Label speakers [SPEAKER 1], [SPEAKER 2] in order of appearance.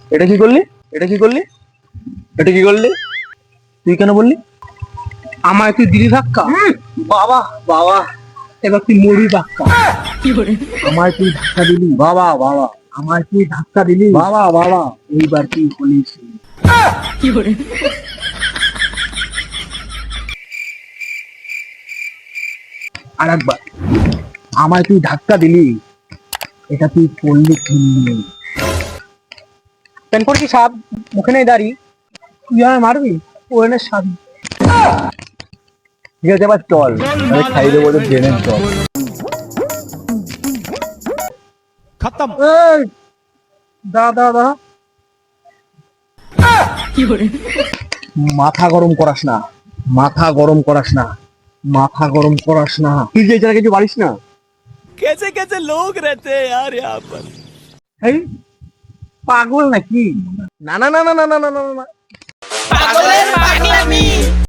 [SPEAKER 1] এটা কি করলি? এটা কি করলি? এটা কি করলি? তুই কেন বললি?
[SPEAKER 2] আমায় তুই দিলি ধাক্কা,
[SPEAKER 1] বাবা বাবা,
[SPEAKER 2] এবার তুই মরবি ধাক্কা।
[SPEAKER 1] আমায় তুই ধাক্কা দিলি বাবা বাবা, আমায় তুই ধাক্কা দিলি বাবা বাবা, এইবার তুই বলিস। আর একবার, আমায় তুই ধাক্কা দিলি, এটা তুই করলি খেললি।
[SPEAKER 2] প্যান পড়ছি সাপ, মুখে নেই দাড়ি, তুই আমায় মারবি, ও এনে সাবি।
[SPEAKER 1] ঠিক আছে, এবার চল, আমি খাই দেবো ওদের ট্রেনের চল।
[SPEAKER 2] এই, দা
[SPEAKER 1] মাথা গরম করাস না, মাথা গরম করাস না, মাথা গরম করাস না। তুই যে এছাড়া কিছু পারিস না।
[SPEAKER 3] कैसे कैसे लोग रहते हैं यार यहाँ पर।
[SPEAKER 1] এই পাগল নাকি? না না না না না না না না না।
[SPEAKER 3] পাগলের পাগলামি।